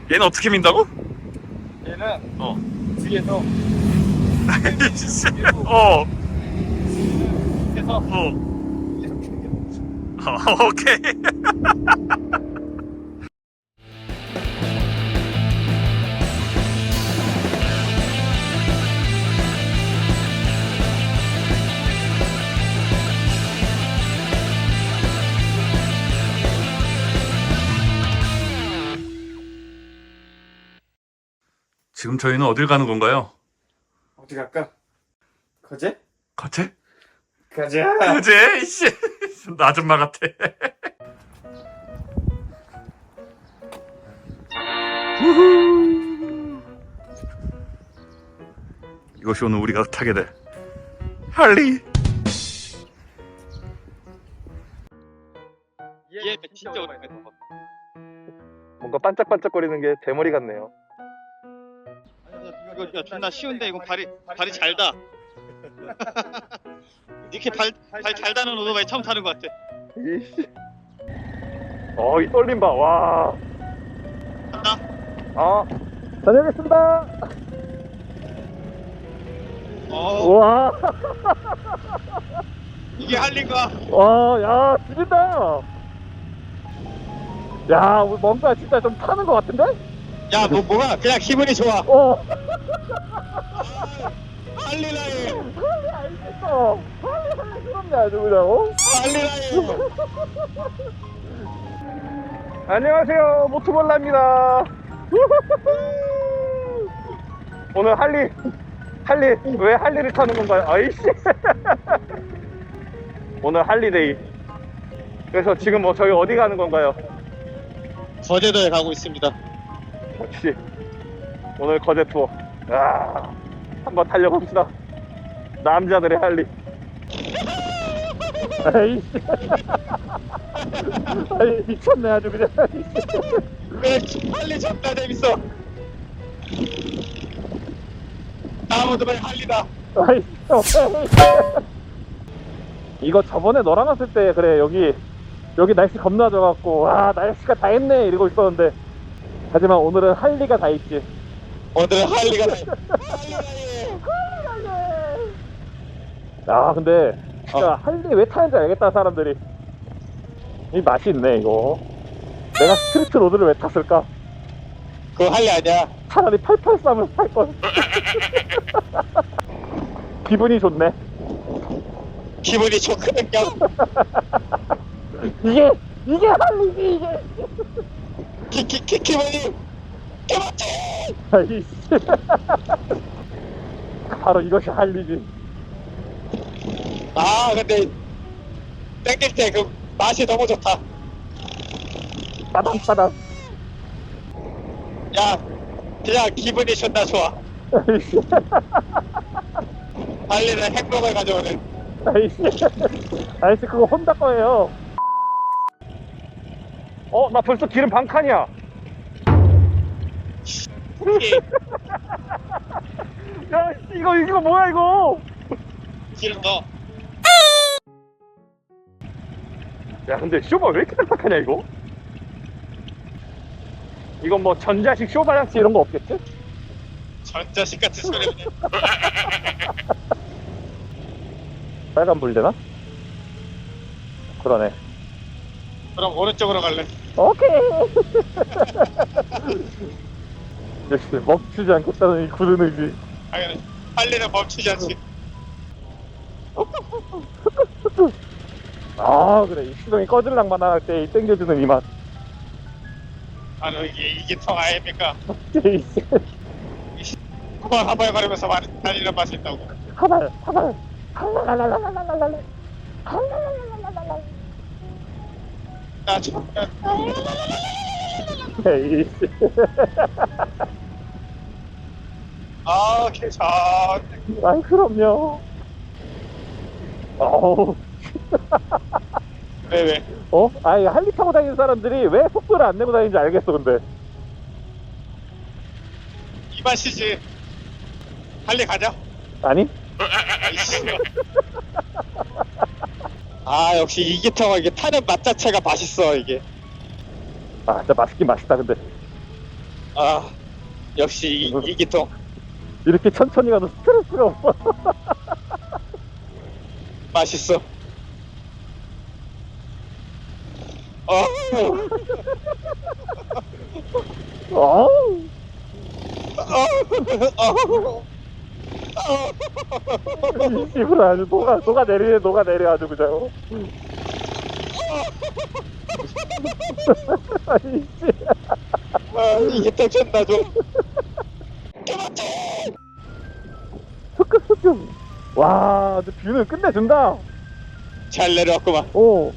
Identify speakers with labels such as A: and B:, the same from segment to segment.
A: 얘는 어떻게 민다고?
B: 얘는 뒤에서
A: 어.
B: 해서
A: 어.
B: 이렇게
A: 오케이. 지금 저희는 어딜 가는 건가요?
B: 어디 갈까? 거제?
A: 거제?
B: 가자.
A: 거제? 이씨. 나 아줌마 같아. 후후. 이것이 오늘 우리가 타게 될 할리.
B: 얘 진짜 오랜만에 봐.
C: 뭔가 반짝반짝거리는 게 대머리 같네요.
B: 이거 존나 쉬운데 이거 발이 잘다. 이렇게 발 잘 다는 오토바이 처음 타는 것 같아.
C: 이씨. 이 떨림 봐. 와.
B: 간다.
C: 다녀오겠습니다. 와.
B: 이게 할리가.
C: 와, 야, 죽인다. 야, 우리 뭔가 진짜 좀 타는 것 같은데?
B: 야, 뭐가 그냥 기분이 좋아. 할리라인.
C: 할리 알겠어. 할리 그럼요, 아주 그냥.
B: 할리라인.
C: 안녕하세요, 모토볼라입니다. 오늘 할리 왜 할리를 타는 건가요? 아이씨. 오늘 할리데이. 그래서 지금 저희 어디 가는 건가요?
B: 거제도에 가고 있습니다.
C: 역시 오늘 거제 투어. 한번 달려봅시다. 남자들의 할리. 아이씨. 아이, 미쳤네 아주 그냥.
B: 그래, 할리 존나 재밌어. 다음 오토바이 할리다.
C: 아이, 이거 저번에 너랑 왔을 때 그래 여기 날씨 겁나 좋아갖고 와 날씨가 다 했네 이러고 있었는데 하지만 오늘은 할리가 다 있지.
B: 오늘은 할리가
C: 근데 진짜 할리 왜 타는지 알겠다 사람들이. 이 맛이 있네 이거. 내가 스트리트 로드를 왜 탔을까?
B: 그거 할리 아니야.
C: 차라리 883을 탈걸. 기분이 좋네.
B: 기분이 좋거든요.
C: 이게 할리지 이게.
B: 기분이 개맞지.
C: 아이씨. 바로 이것이 할리지.
B: 근데 땡길 때 그 맛이 너무 좋다.
C: 빠담빠담.
B: 야, 그냥 기분이 존나 좋아.
C: 아이씨.
B: 할리는 행복을 가져오는.
C: 아이씨 그거 혼자 거예요. 나 벌써 기름 반 칸이야. 야 이거 뭐야 이거.
B: 기름 넣어.
C: 야 근데 쇼바 왜 이렇게 딱딱하냐 이거. 이건 뭐 전자식 쇼바랑치 이런 거 없겠지?
B: 전자식 같은 소리네.
C: 빨간불 되나? 그러네.
B: 그럼 오른쪽으로 갈래.
C: 오케이. 역시 멈추지 않겠다는 이 굳은 의지.
B: 당연히 할리는 멈추지 않지.
C: 그래 이 시동이 꺼질랑만 할 때 이 땡겨주는 이 맛.
B: 너 이게 통 아닙니까?
C: 이씨.
B: 그만 하발거리면서 달리는 맛이 있다고.
C: 하발 할랄랄랄랄랄랄랄 할랄랄랄랄랄.
B: 나 지금
C: 에이씨.
B: 괜찮네.
C: 아이 그럼요. 어우.
B: 왜?
C: 아니 할리 타고 다니는 사람들이 왜 속도를 안 내고 다니는지 알겠어 근데.
B: 이 맛이지. 할리 가자.
C: 아니?
B: 아이씨. 역시 이기타가 이게 타는 맛 자체가 맛있어 이게.
C: 진짜 맛있긴 맛있다 근데.
B: 아, 역시 이 기통.
C: 이렇게 천천히 가도 스트레스가 없어.
B: 맛있어. 어,
C: 어우, 이 씨발 아주 녹아내려 아주 그냥. 아이 씨.
B: 이 기통 존나 좋아.
C: 스크스크. 와, 근데 뷰는 끝내준다.
B: 잘 내려왔구만.
C: 오,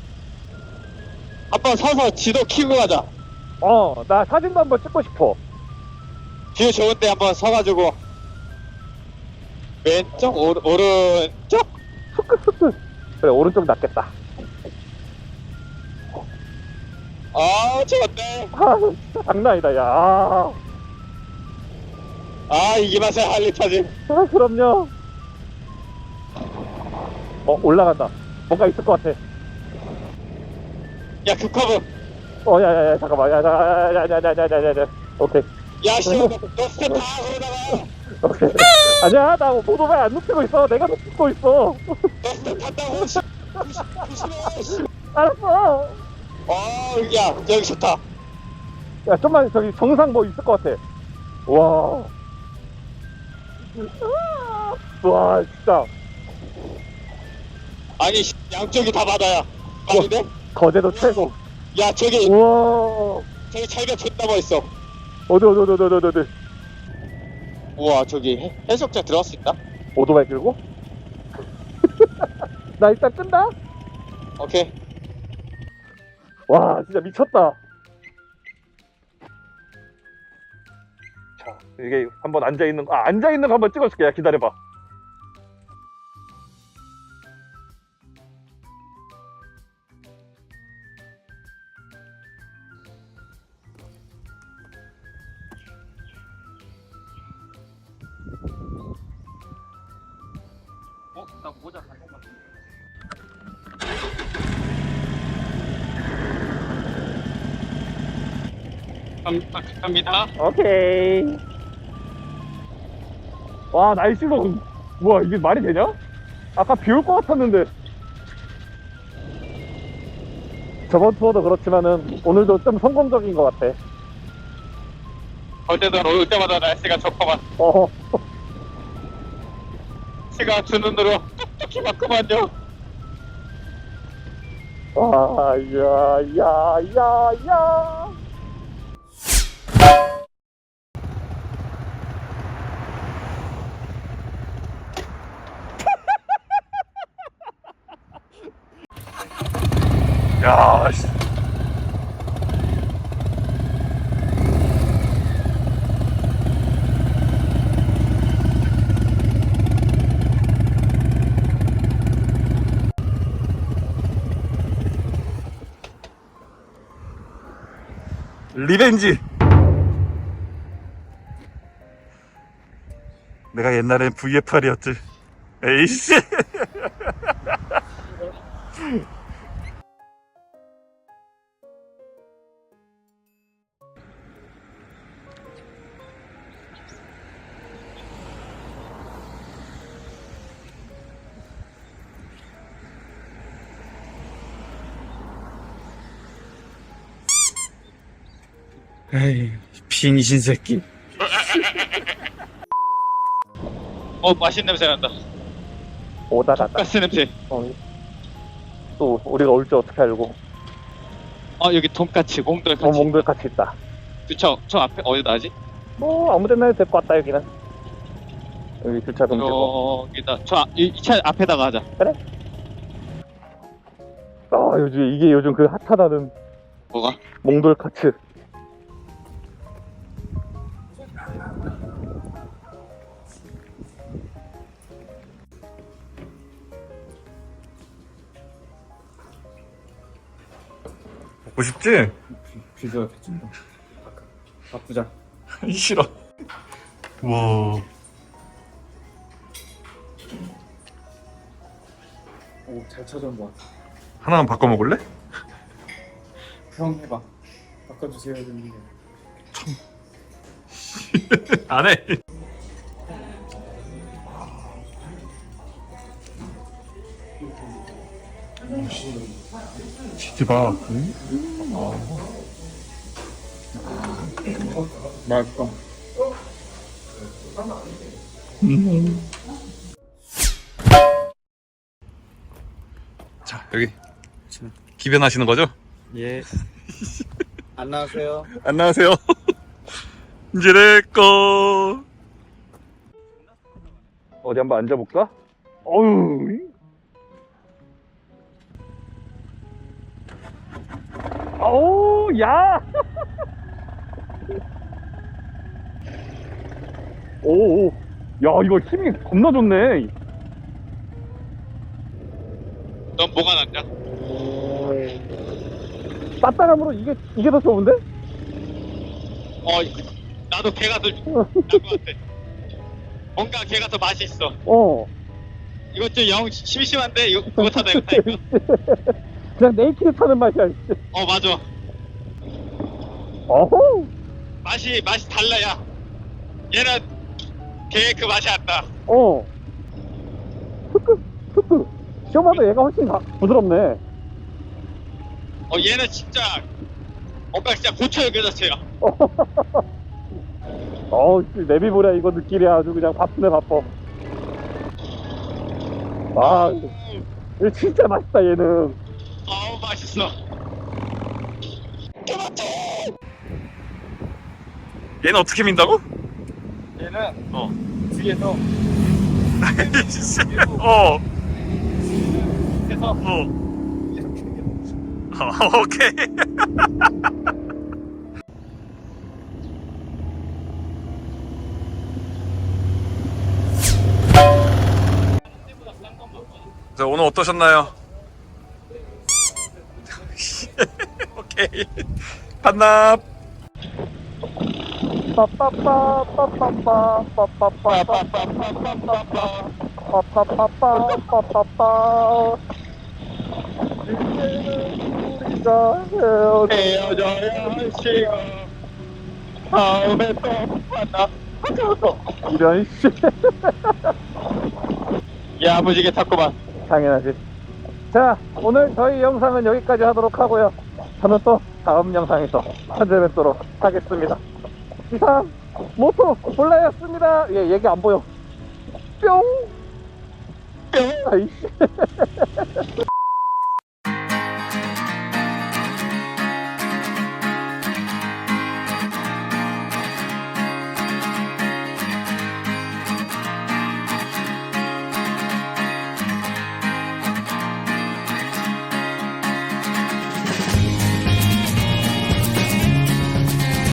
B: 한번 서서 지도 키고 가자.
C: 나 사진도 한번 찍고 싶어.
B: 뷰 좋은데 한번 서가지고 왼쪽 오른쪽.
C: 스크스크. 그래, 오른쪽 낫겠다.
B: 아, 좋은데.
C: 아, 진짜 장난 아니다, 야.
B: 아, 이게 맛에 할리 타지.
C: 아, 그럼요. 올라간다. 뭔가 있을 것 같아.
B: 야, 그 커브.
C: 야, 잠깐만. 야. 오케이.
B: 야, 씨, 너 스텝 다 그러다가
C: 오케이. 아니야, 나 오토바이 안 눕히고 있어. 내가 눕히고 있어.
B: 너 스텝 탄다고. 조심해. 씨.
C: 알았어.
B: 야, 여기 좋다.
C: 야, 좀만 저기 정상 뭐 있을 것 같아. 와. 와, 진짜.
B: 아니, 양쪽이 다 바다야. 아닌데?
C: 거제도 최고.
B: 야, 저기
C: 우와.
B: 철벽 존나 멋있어.
C: 어디.
B: 우와, 저기 해수욕장 들어갈 수 있나?
C: 오토바이 끌고? 나 일단 끈다.
B: 오케이.
C: 와, 진짜 미쳤다. 자, 이게 한번 앉아있는 거 한번 찍어줄게. 야, 기다려봐.
B: 나 모자 잘못 봤어. 갑니다.
C: 오케이. 와, 날씨도 뭐야, 이게 말이 되냐? 아까 비 올 것 같았는데. 저번 투어도 그렇지만은 오늘도 좀 성공적인 것 같아.
B: 어제도 올 때마다 날씨가 좋구만.
C: 어.
B: 시가 주 눈으로 똑똑히 봤구만요.
C: 와, 야.
A: 야, 씨. 리벤지. 내가 옛날엔 VF8이었지. 에이씨.
D: 에이, 빙신 새끼.
B: 맛있는 냄새 난다.
C: 오다다다.
B: 가스 냄새.
C: 또 우리가 올 줄 어떻게 알고.
B: 여기 돈까치, 몽돌까치.
C: 몽돌 같이 있다.
B: 저 앞에 어디 나지?
C: 아무데나 해도 될 것 같다, 여기는. 여기 주차 금지고.
B: 여기다. 이 차 앞에다가 하자.
C: 그래? 이게 요즘 그 핫하다는
B: 뭐가?
C: 몽돌 카츠.
A: 먹고 싶지?
D: 비주얼 개찐다. 바꾸자.
A: 싫어. 와.
D: 오, 잘 찾아온 것 같아.
A: 하나만 바꿔 먹을래?
D: 형 해봐. 바꿔주세요, 형님.
A: 안 해. 치즈 봐.
D: 맛있어.
A: 자, 여기 기변하시는 거죠?
D: 예. 안녕하세요.
A: 안녕하세요. 이제 내 거.
C: 어디 한번 앉아볼까? 어휴. 어우, 야! 오, 야, 이거 힘이 겁나 좋네.
B: 넌 뭐가 낫냐?
C: 따뜻함으로 이게 더 좋은데?
B: 나도 걔가 더 나은 것 같아. 뭔가 걔가 더 맛이 있어. 이것 좀 영 심심한데 그거 타다 이거 타니까.
C: 그냥 네이키드 타는 맛이야.
B: 맞아.
C: 어후.
B: 맛이 달라야. 얘는 걔 그 맛이 안 나.
C: 스크. 시험하다 얘가 훨씬 부드럽네.
B: 얘는 진짜 뭔가 진짜 고쳐요 그 자체야.
C: 내비보랴 이거 느끼랴 아주 그냥 바쁘네 바빠. 아, 이거 진짜 맛있다 얘는.
B: 맛있어.
A: 얘는 어떻게 민다고?
D: 얘는 뒤에서 해서
A: 오케이. 자, 오늘 어떠셨나요? 오케이. 반납.
B: 헤어져야 할 시간. 다음에 또 만나.
C: 이런 씨.
B: 야무지게 탔구만.
C: 당연하지. 자, 오늘 저희 영상은 여기까지 하도록 하고요. 저는 또 다음 영상에서 찾아뵙도록 하겠습니다. 이상 모토 볼라였습니다. 얘기 안 보여. 뿅. 아이씨.